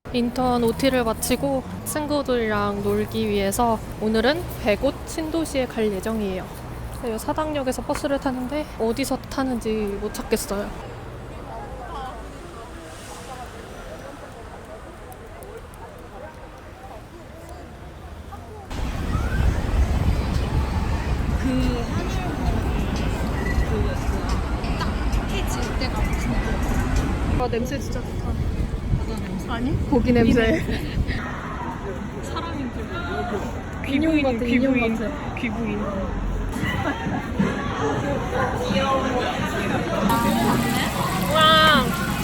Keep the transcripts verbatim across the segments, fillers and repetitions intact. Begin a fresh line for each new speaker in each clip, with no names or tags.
인턴 오티를 마치고 친구들이랑 놀기 위해서 오늘은 백옷 신도시에 갈 예정이에요. 이 사당역에서 버스를 타는데 어디서 타는지 못 찾겠어요. 아, 냄새 진짜 좋다. 아니? 고기 냄새.
사람인 줄.
인형 같아, 인형
귀부인,
같아.
귀부인. 와,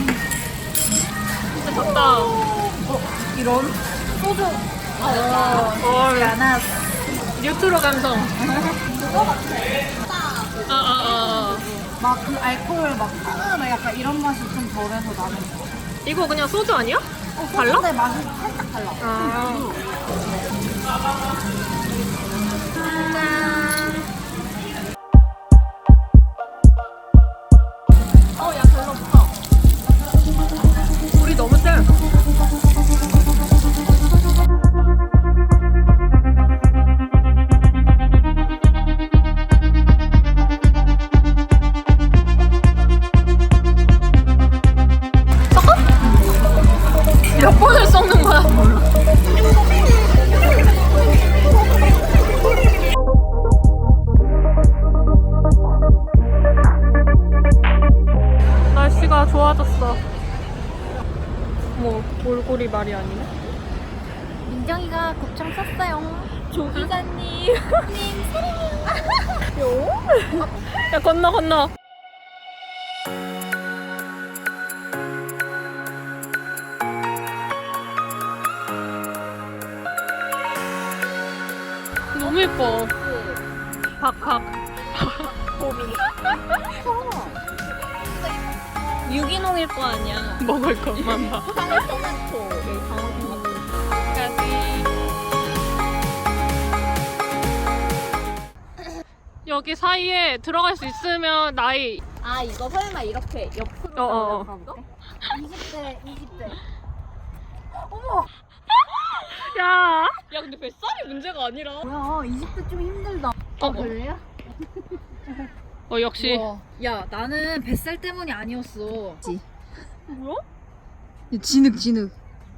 진짜 좋다.
이런? 소주.
어,
야나.
뉴트로 감성.
그거 같아.
아, 아, 아.
막 그 알코올 막 막 약간 이런 맛이 좀 덜해서 나는 거.
이거 그냥 소주 아니야?
어,
달라?
근데 맛이 살짝 달라.
아. 어, 야, 별로 없어. 우리 너무 세. 몇 번을 썩는 거야? 날씨가 좋아졌어. 뭐 몰골이 말이 아니네.
민정이가 곱창 샀어요.
조 기자님. 님 사랑해요. 야 건너 건너. 너무 예뻐. 박박.
유기농일 거 아니야.
먹을 것만 봐.
방울토마토. 여기 방울토마토.
여기 사이에 들어갈 수 있으면 나이.
아 이거 설마 이렇게 옆으로
어, 어, 어.
가볼까? 이십 대, 이십 대.
야. 야 근데 뱃살이 문제가 아니라.
뭐야, 이십 대 좀 힘들다.
어, 어.
별래야?
어 역시.
우와. 야, 나는 뱃살 때문이 아니었어.
뭐야?
진흙 진흙.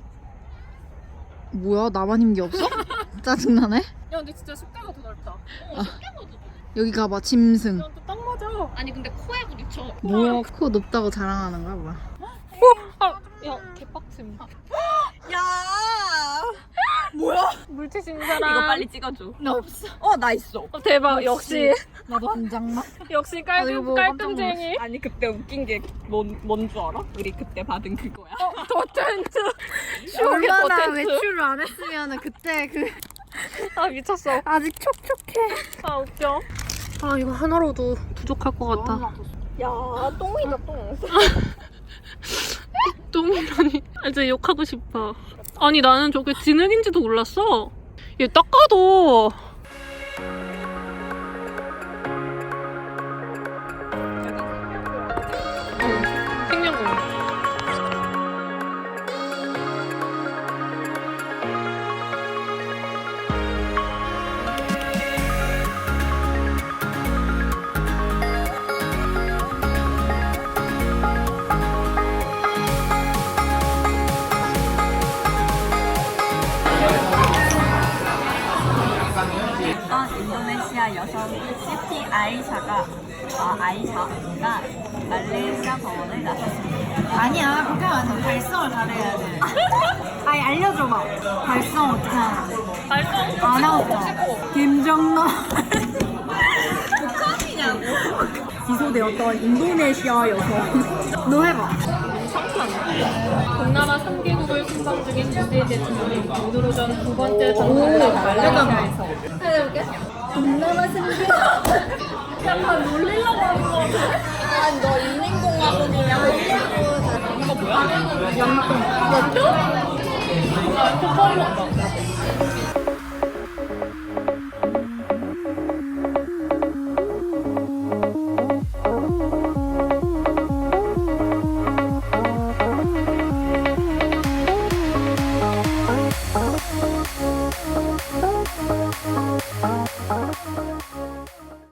뭐야, 나만 힘기 없어? 짜증나네.
야 근데 진짜 십대가 더 넓다. 어 십대가 더 넓다.
여기 가봐, 짐승.
야너딱 맞아.
아니 근데 코에 부딪혀.
뭐야, 코 높다고 자랑하는 거야, 뭐야?
아, 야 개빡침.
야, 뭐야?
물티슈인 사람.
이거 빨리 찍어줘. 나 없어. 어, 나 있어.
어, 대박. 역시
나도 한 장만.
역시
아, 이거
깔끔
보고
깔끔쟁이.
아니 그때 웃긴 게 뭔 뭔 줄 알아? 우리 그때 받은 그거야.
어, 더텐트. 쇼게
얼마나
더텐트.
외출을 안 했으면 그때 그
아 미쳤어.
아직 촉촉해.
아 웃겨. 아 이거 하나로도 부족할 것 같다.
야, 똥이다 똥.
똥이라니. 아, 이제 욕하고 싶어. 아니 나는 저게 진흙인지도 몰랐어. 얘 딱 봐도. 어, 생명공.
어떤 인도네시아 여성 시티 아이샤가 아, 아이샤가 말레이시아 법원을 나섰습니다.
아니야, 그렇게 하면 안 돼. 발성을 잘해야 돼. 아니, 알려줘봐. 발성 어떻게 하는지.
발성.
안 하고. 김정남. 북한이냐고.
기소되었던 인도네시아 여성. 너 해봐.
동남아 삼 개국을 순방 중인 문재인 대통령이 오늘 오전 두 번째 정상회담 말레이시아에서
해볼게. 동남아 승리. 약간 놀리려고 하는 거 같아. 아니, 너 인행공화국이냐고. 이거 뭐야? 연통. 연통?
아,